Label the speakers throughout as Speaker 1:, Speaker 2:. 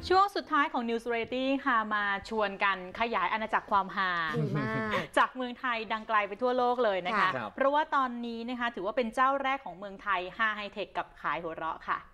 Speaker 1: ช่วงสุดท้ายของ News Variety ค่ะมาชวนกันขยายอาณาจักรความฮาจากเมืองไทยดังไกลไปทั่วโลกเลยนะคะเพราะว่าตอนนี้นะคะถือว่าเป็นเจ้าแรกของเมืองไทยฮาไฮเทคกับขายหัวเราะค่ะ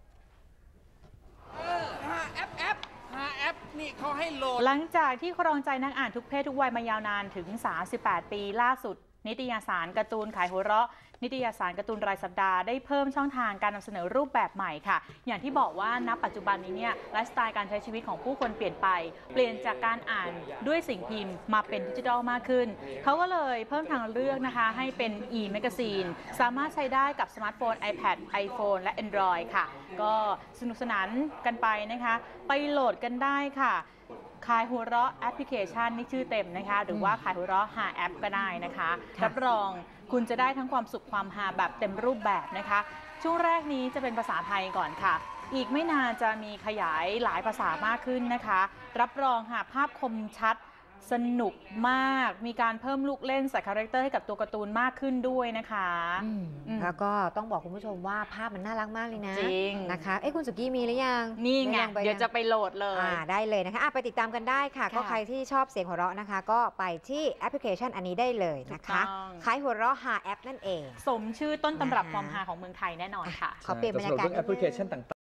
Speaker 2: นี่เขาให้โหลด
Speaker 1: หลังจากที่ครองใจนักอ่านทุกเพศทุกวัยมายาวนานถึง38ปีล่าสุดนิตยสารการ์ตูนขายหัวเราะนิตยสารการ์ตูนรายสัปดาห์ได้เพิ่มช่องทางการนำเสนอรูปแบบใหม่ค่ะอย่างที่บอกว่าณปัจจุบันนี้เนี่ยไลฟ์สไตล์การใช้ชีวิตของผู้คนเปลี่ยนไปเปลี่ยนจากการอ่านด้วยสิ่งพิมพ์มาเป็นดิจิทัลมากขึ้นเขาก็เลยเพิ่มทางเลือกนะคะให้เป็น e-magazine สามารถใช้ได้กับสมาร์ทโฟน iPad iPhone และ Android ค่ะก็สนุกสนานกันไปนะคะไปโหลดกันได้ค่ะขายหัวเราะแอปพลิเคชันนี่ชื่อเต็มนะคะหรือว่าขายหัวเราะหาแอปก็ได้นะคะรับรองคุณจะได้ทั้งความสุขความฮาแบบเต็มรูปแบบนะคะช่วงแรกนี้จะเป็นภาษาไทยก่อนค่ะอีกไม่นานจะมีขยายหลายภาษามากขึ้นนะคะรับรองค่ะภาพคมชัดสนุกมากมีการเพิ่มลูกเล่นใส่คาแรคเตอร์ให้กับตัวการ์ตูนมากขึ้นด้วยนะคะ
Speaker 3: แล้วก็ต้องบอกคุณผู้ชมว่าภาพมันน่ารักมากเลยนะ
Speaker 1: จริง
Speaker 3: นะคะคุณสุกี้มีหรือยัง
Speaker 1: นี่ไงเดี๋ยวจะไปโหลดเลย
Speaker 3: ได้เลยนะคะไปติดตามกันได้ค่ะก็ใครที่ชอบเสียงหัวเราะนะคะก็ไปที่แอปพลิเคชันอันนี้ได้เลยนะคะขายหัวเราะหาแอปนั่นเอง
Speaker 1: สมชื่อต้นตำรับความฮาของเมืองไทยแน่นอนค่ะ
Speaker 3: ขอเปลี่ยนบรรยากาศ
Speaker 2: แอปพลิเคชันต่าง